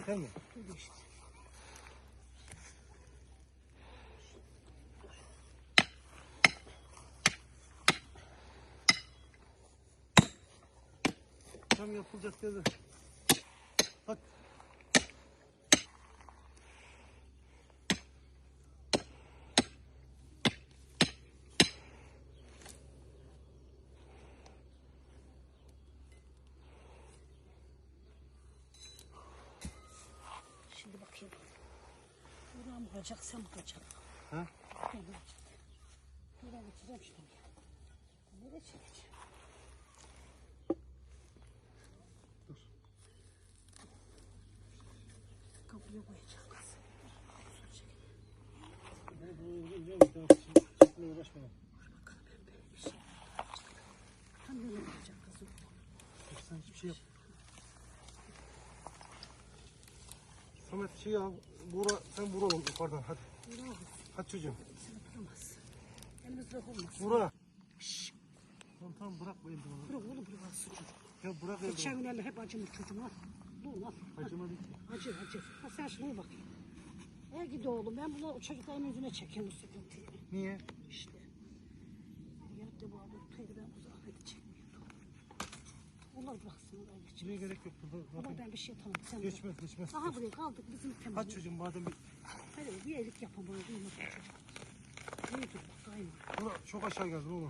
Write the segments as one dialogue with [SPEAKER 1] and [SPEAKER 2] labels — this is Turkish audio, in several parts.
[SPEAKER 1] Yeter mi?
[SPEAKER 2] Dur işte.
[SPEAKER 1] Tam yapılacak dedi. Hadi.
[SPEAKER 2] Şimdi bakayım. Buraya mı olacak, sen mi olacak?
[SPEAKER 1] Ha?
[SPEAKER 2] Ben olacak. Buraya geçeceğim şimdi. Nereye çekeceğim?
[SPEAKER 1] Dur.
[SPEAKER 2] Kapıya koyacağım kız.
[SPEAKER 1] Ben bunu biliyor musun? Çekmeye uğraşmayalım.
[SPEAKER 2] Bakalım ben böyle bir şey yapacağım. Tam nereye koyacağım kızım?
[SPEAKER 1] Sen hiçbir şey yap. Samet şey al. Sen vur oğlum yukarıdan hadi.
[SPEAKER 2] Bravo.
[SPEAKER 1] Hadi çocuğum.
[SPEAKER 2] Sen oturamaz. Elimiz bırak olmaz.
[SPEAKER 1] Vura. Tamam bırak bu eldivanı.
[SPEAKER 2] Bırak oğlum bırak çocuk.
[SPEAKER 1] Ya bırak
[SPEAKER 2] Geçen
[SPEAKER 1] eldivanı.
[SPEAKER 2] günlerle hep acımış çocuğum al. Dur al.
[SPEAKER 1] Acıma değil.
[SPEAKER 2] Acır acır. Ha sen şuna bak. Gidi oğlum ben bunu çocukların yüzüne çekiyorum bu sıkıntıyı.
[SPEAKER 1] Niye?
[SPEAKER 2] İşte. Yattı bu abi tutaydı ben uzak hadi çekmiyordum. Onlar bıraksın oraya
[SPEAKER 1] Buraya
[SPEAKER 2] geçmez.
[SPEAKER 1] gerek yok. Burada
[SPEAKER 2] Ama
[SPEAKER 1] zaten
[SPEAKER 2] ben bir şey tamam sen
[SPEAKER 1] geçmez geçmez.
[SPEAKER 2] Aha buraya kaldık bizim
[SPEAKER 1] Hadi
[SPEAKER 2] temiz.
[SPEAKER 1] çocuğum madem bir...
[SPEAKER 2] Hadi bir iyilik yapın bana duymasın çocuk. İyi dur bak aynı.
[SPEAKER 1] Bura çok aşağı geldin oğlum.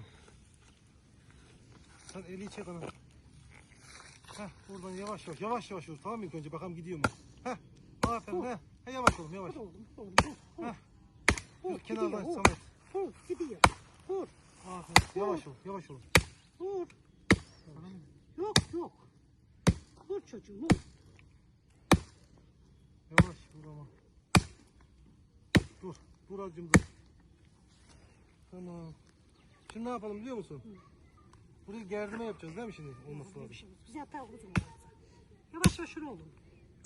[SPEAKER 1] Sen eli çek ana. Heh buradan yavaş yavaş yavaş yavaş tamam mı ilk önce bakalım gidiyor mu? Heh aferin heh. He yavaş oğlum yavaş.
[SPEAKER 2] Dur oğlum oğlum dur.
[SPEAKER 1] Heh.
[SPEAKER 2] Dur
[SPEAKER 1] Kenardan
[SPEAKER 2] gidiyor.
[SPEAKER 1] Samet.
[SPEAKER 2] Dur gidiyor. Dur.
[SPEAKER 1] Aferin yavaş ol yavaş ol.
[SPEAKER 2] Dur. Yok yok. Dur çocuğum dur.
[SPEAKER 1] Yavaş vur ama. Dur. Dur azıcım dur. Tamam. Şimdi ne yapalım biliyor musun? Burayı gerdime yapacağız değil mi şimdi? Olması
[SPEAKER 2] Böyle
[SPEAKER 1] lazım.
[SPEAKER 2] bir şey yok. Biz yatağa uzun olmazsa. Yavaş yavaş şunu oğlum.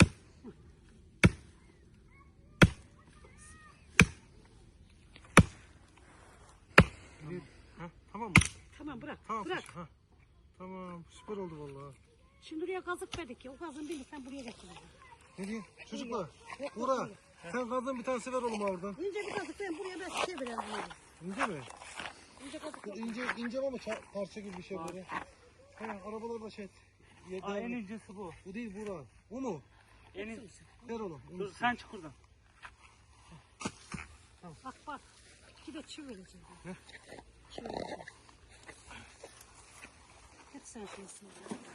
[SPEAKER 1] Ha, tamam mı?
[SPEAKER 2] Tamam bırak.
[SPEAKER 1] Tamam.
[SPEAKER 2] Bırak.
[SPEAKER 1] Ha. Tamam süper oldu vallahi.
[SPEAKER 2] Şimdi oraya kazık verdik ya. O kazın birini sen buraya getirdin.
[SPEAKER 1] Ne diyeyim? Çocuklar.
[SPEAKER 2] Yok,
[SPEAKER 1] Bura.
[SPEAKER 2] yok.
[SPEAKER 1] Sen kazın bir tanesi ver oğlum oradan.
[SPEAKER 2] İnce bir kazık ben buraya ben size vereyim.
[SPEAKER 1] İnce mi?
[SPEAKER 2] İnce kazık yok.
[SPEAKER 1] İnce ama parça gibi bir şey böyle. He arabalarda şey.
[SPEAKER 3] Aa, en incesi bu.
[SPEAKER 1] Bu değil Burak. Bu mu?
[SPEAKER 3] En in...
[SPEAKER 1] Ver oğlum.
[SPEAKER 3] Dur sen çık buradan.
[SPEAKER 2] Bak bak. İki de çivi vereceğim.
[SPEAKER 1] Ne?
[SPEAKER 2] Çivi vereceğim. Hep sen şeysin.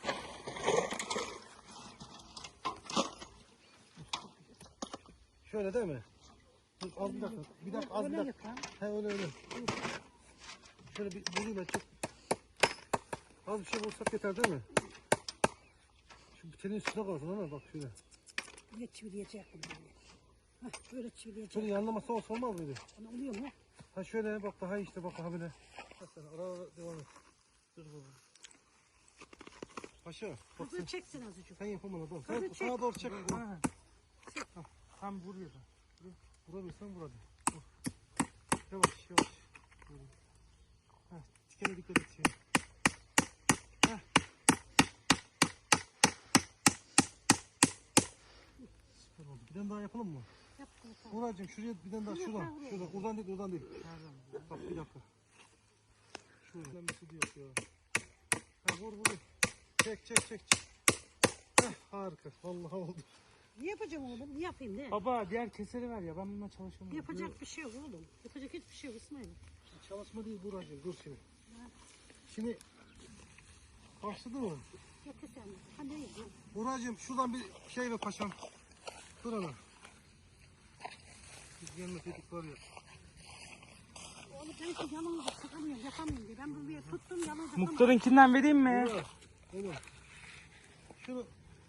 [SPEAKER 1] Şöyle değil mi? Dur, az bir dakika. Bir dakika az bir
[SPEAKER 2] Öyle
[SPEAKER 1] dakika.
[SPEAKER 2] yap lan.
[SPEAKER 1] He öyle. Şöyle bir bulayım ben çok. Az bir şey bulsak yeter değil mi? Şu bitenin üstüne kalsın ama bak şöyle.
[SPEAKER 2] Böyle çivileyecektim böyle. Hah böyle çivileyecektim.
[SPEAKER 1] Şöyle yanlaması olsa olmaz mıydı?
[SPEAKER 2] Ona oluyor mu?
[SPEAKER 1] Ha şöyle bak daha işte bak ha böyle. Bak sen ara devam et. Dur baba. Paşa bak
[SPEAKER 2] Kızı
[SPEAKER 1] sen,
[SPEAKER 2] çeksin azıcık.
[SPEAKER 1] sen yapamadın oğlum.
[SPEAKER 2] Hadi
[SPEAKER 1] Sen
[SPEAKER 2] çek.
[SPEAKER 1] sağa doğru çek.
[SPEAKER 3] Ha. Tam buraya da.
[SPEAKER 1] Vurabilirsen vur hadi. Vur. Yavaş yavaş. Ha, tikene dikkat et. Ha. Süper oldu. Bir tane daha yapalım mı?
[SPEAKER 2] Yap bunu.
[SPEAKER 1] Buracığım şuraya bir tane daha şuradan. Şuradan. Oradan değil oradan değil.
[SPEAKER 3] Nereden?
[SPEAKER 1] Bak bir dakika. Şuradan bir su diyor ya. Ha vur vur. Çek çek çek. Heh, harika. Vallahi oldu.
[SPEAKER 2] Ne yapacağım oğlum? Ne yapayım ne?
[SPEAKER 3] Baba diğer keseri ver ya ben bununla çalışamıyorum.
[SPEAKER 2] Yapacak bir şey yok oğlum. Yapacak hiçbir şey yok İsmail.
[SPEAKER 1] Çalışma değil Buracığım. Dur şimdi. Şimdi başladı mı?
[SPEAKER 2] Getir sen. Ha ne yapayım?
[SPEAKER 1] Buracığım şuradan bir şey ver paşam. Dur ana. Biz yanına dedik var ya.
[SPEAKER 2] Oğlum ben şu yanımda sıkamıyorum, yapamıyorum diye. Ben bunu bir tuttum yanımda yapamıyorum.
[SPEAKER 3] Muhtarınkinden vereyim mi?
[SPEAKER 1] Burak. Oğlum. Şunu.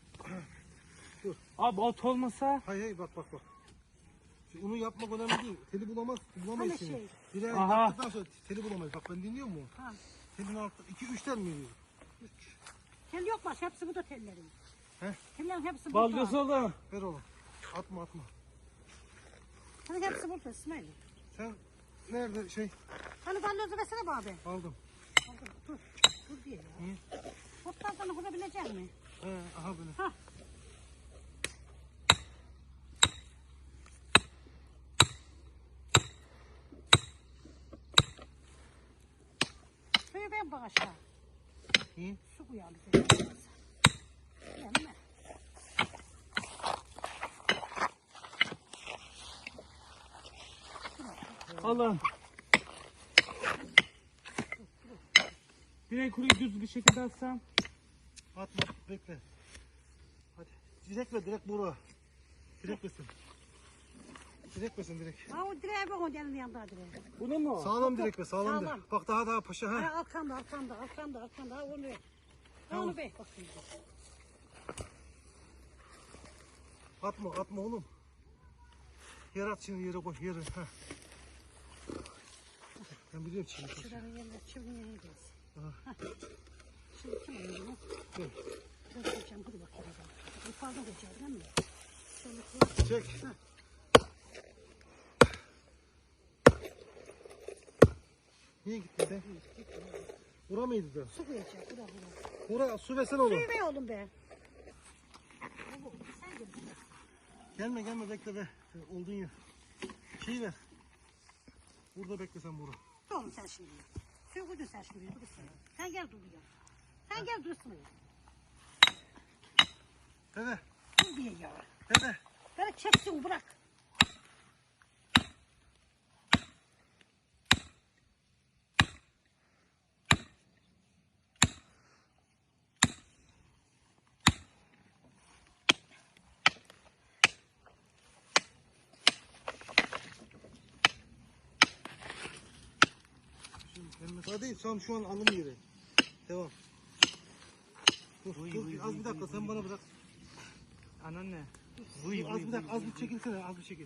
[SPEAKER 3] Abi ot olmasa.
[SPEAKER 1] Hay hay bak bak bak. Şimdi onu yapmak önemli değil. Teli bulamayız
[SPEAKER 2] Hani
[SPEAKER 1] şimdi.
[SPEAKER 2] şey?
[SPEAKER 1] Bir ay
[SPEAKER 3] Aha.
[SPEAKER 1] yaptıktan sonra teli bulamayız. Bak ben dinliyor musun?
[SPEAKER 2] Ha.
[SPEAKER 1] Telin altı 2-3 tel mi yiyor?
[SPEAKER 2] Tel yok baş, hepsi bu da tellerim.
[SPEAKER 1] He?
[SPEAKER 2] Tellerin hepsi
[SPEAKER 3] Balyoz
[SPEAKER 2] burada.
[SPEAKER 3] oğlum.
[SPEAKER 1] Ver oğlum. Atma atma.
[SPEAKER 2] Hani hepsi burada İsmail.
[SPEAKER 1] Sen nerede şey
[SPEAKER 2] Hani balyozu versene bu abi.
[SPEAKER 1] aldım.
[SPEAKER 2] Dur, dur diye ya.
[SPEAKER 1] Niye?
[SPEAKER 2] Otlardan kurabilecek mi?
[SPEAKER 1] He aha böyle.
[SPEAKER 2] Ha. Gel bak aşağı.
[SPEAKER 1] İyi.
[SPEAKER 2] Su koyalım. Gelme.
[SPEAKER 3] Alın. Direkt kuruyu düz bir şekilde atsam.
[SPEAKER 1] Atma bekle. Hadi. Direkt ver direkt bura. Direkt versin. Direkt versin direkt.
[SPEAKER 2] Ha o direğe bak, o elinin yanında direğe.
[SPEAKER 3] Bunu mu?
[SPEAKER 1] Sağlam direkt ver sağlam
[SPEAKER 2] Sağlam.
[SPEAKER 1] direkt. Bak daha paşa ha.
[SPEAKER 2] Ha arkanda. Ha onu ver. Ha onu ver. Bak şimdi.
[SPEAKER 1] Atma oğlum. Yere at şimdi yere koy yere. Ha. Ben biliyorum şimdi.
[SPEAKER 2] Şuranın yerine çiviye gelsin.
[SPEAKER 1] Aha.
[SPEAKER 2] Şimdi kim alıyor bunu?
[SPEAKER 1] Dur.
[SPEAKER 2] Ben koyacağım, hadi bakayım. Bu fazla koyacağım değil mi? Şöyle koy.
[SPEAKER 1] Çek.
[SPEAKER 2] Ha.
[SPEAKER 1] Niye gittin sen? Bura mıydı da?
[SPEAKER 2] Su koyacağım, bura.
[SPEAKER 1] Bura su versene oğlum.
[SPEAKER 2] Suyu ver oğlum be. Oğlum sen gel.
[SPEAKER 1] Gelme bekle be. Sen oldun ya. Şeyi ver. Burada bekle sen Bura.
[SPEAKER 2] Oğlum sen şimdi. Suyu koydun sen şimdi, durursun. Sen gel dur ya. Sen gel dursun ya.
[SPEAKER 1] Dede.
[SPEAKER 2] Dur diye ya.
[SPEAKER 1] Dede.
[SPEAKER 2] Beni çeksin, bırak.
[SPEAKER 1] Hadi tam şu an alım yeri. Devam. Dur, az bir dakika sen bana bırak.
[SPEAKER 3] Anneanne.
[SPEAKER 1] Dur, az bir dakika az bir çekilsene az bir çekil.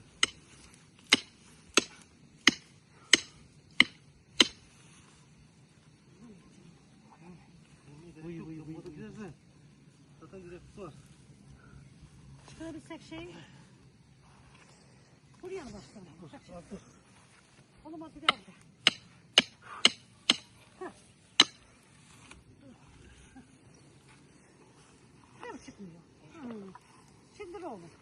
[SPEAKER 1] Gidersen. Zaten güzel kutu var.
[SPEAKER 2] Çıkarabilsek şey. Buraya mı başlayalım?
[SPEAKER 1] Dur.
[SPEAKER 2] Oğlum hadi bir aldı. Hem çıkmıyor. Şimdi dur oğlum.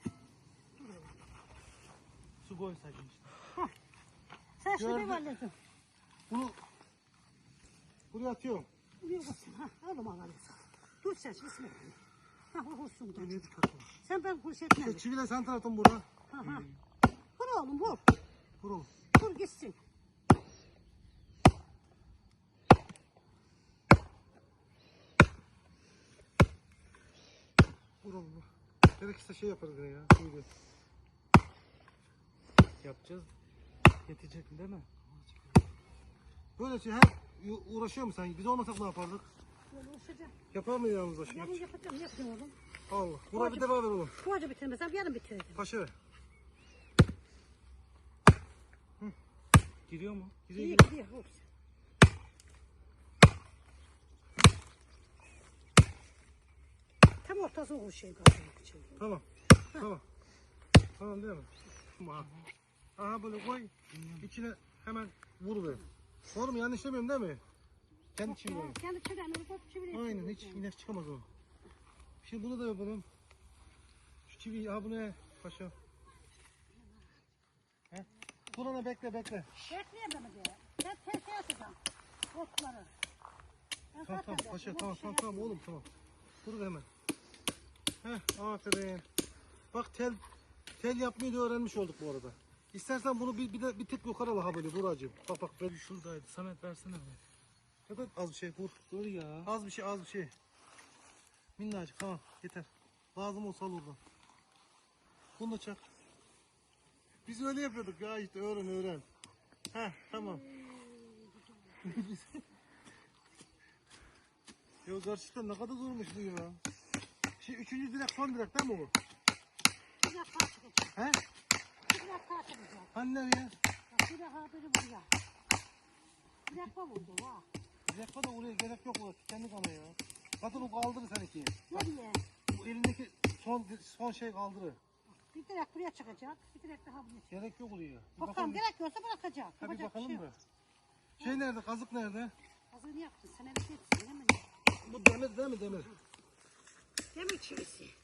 [SPEAKER 3] Su koysaydım işte.
[SPEAKER 2] Sen şimdi
[SPEAKER 1] Gördüm.
[SPEAKER 2] bir halledin.
[SPEAKER 1] Bunu buraya atıyorum.
[SPEAKER 2] Buraya basın. Ha, oğlum Allah'ını sağ. Dur sen şimdi bismillah. Ha o olsun da.
[SPEAKER 1] Elini dikkatli ol.
[SPEAKER 2] Sen ben kuş etmem.
[SPEAKER 1] İşte çiviyle sen taraftan Bura.
[SPEAKER 2] Ha. Vur oğlum vur.
[SPEAKER 1] Vur oğlum.
[SPEAKER 2] Vur gitsin.
[SPEAKER 1] Vur oğlum. Vur. Gerekirse şey yaparız yine ya. Çiviyle.
[SPEAKER 3] Yapacağız. Yetecek mi değil mi?
[SPEAKER 1] Böyle şey her uğraşıyor musun sen? Biz olmasak ne yapardık?
[SPEAKER 2] Böyle uğraşacağım.
[SPEAKER 1] Yapar mıydı yanımızda şimdi?
[SPEAKER 2] Yarın yapacağım. Ne yapacağım oğlum?
[SPEAKER 1] Allah. Bura bir defa ver oğlum.
[SPEAKER 2] Bu acı bitirmesem yarın bitireceğim.
[SPEAKER 1] Paşa ver.
[SPEAKER 3] Giriyor mu?
[SPEAKER 2] İyi gidiyor. Vur. Tam ortası o şey kaldı.
[SPEAKER 1] Tamam. Tamam. Tamam değil mi? Tamam. Aha böyle koy. İçine hemen vur ver. Doğru mu? Yanlış demiyorum değil mi? Kendi çiviyle.
[SPEAKER 2] Kendi çivilerini çivilerini.
[SPEAKER 1] Aynen hiç inek çıkamaz o. Şimdi bunu da yapalım. Şu çiviyi ha bunu paşa. He? Durana bekle.
[SPEAKER 2] Bekleyemem diye. Ben tezgah atacağım. Otları.
[SPEAKER 1] Tamam paşa tamam oğlum tamam. Dur hemen. Heh aferin. Bak tel yapmayı da öğrenmiş olduk bu arada. İstersen bunu bir tık yukarı al ha böyle Buracığım. Bak böyle
[SPEAKER 3] Şuradaydı. Samet versene.
[SPEAKER 1] ya da az bir şey vur.
[SPEAKER 3] Dur ya.
[SPEAKER 1] Az bir şey. Minnacık tamam yeter. Lazım olsa al oradan. Bunu da çak. Biz öyle yapıyorduk ya işte öğren. Heh tamam. Ya gerçekten ne kadar zormuş bu ya. Üçüncü direk son direk değil mi bu?
[SPEAKER 2] Bir dakika çıkacak.
[SPEAKER 1] He?
[SPEAKER 2] Bir dakika çıkacak.
[SPEAKER 1] Hani nereye?
[SPEAKER 2] Bir dakika biri buraya. Bir dakika vurdu ha.
[SPEAKER 1] Direk da oraya gerek yok orası. Kendi kalıyor ya. Zaten o kaldırır seninki.
[SPEAKER 2] Nereye?
[SPEAKER 1] Bu elindeki son şey kaldırır.
[SPEAKER 2] Bir direk buraya çıkacak. Bir direk daha buraya çıkacak.
[SPEAKER 1] Gerek yok oraya. Bir
[SPEAKER 2] Bakalım gerek yoksa bırakacak.
[SPEAKER 1] Ha bir
[SPEAKER 2] Yapacak
[SPEAKER 1] bakalım
[SPEAKER 2] şey
[SPEAKER 1] da.
[SPEAKER 2] yok.
[SPEAKER 1] Şey nerede? Kazık nerede?
[SPEAKER 2] Hazırını yaptın. Sen evet etsin. Hemen.
[SPEAKER 1] Bu demir değil mi demir?
[SPEAKER 2] Demir çivisi.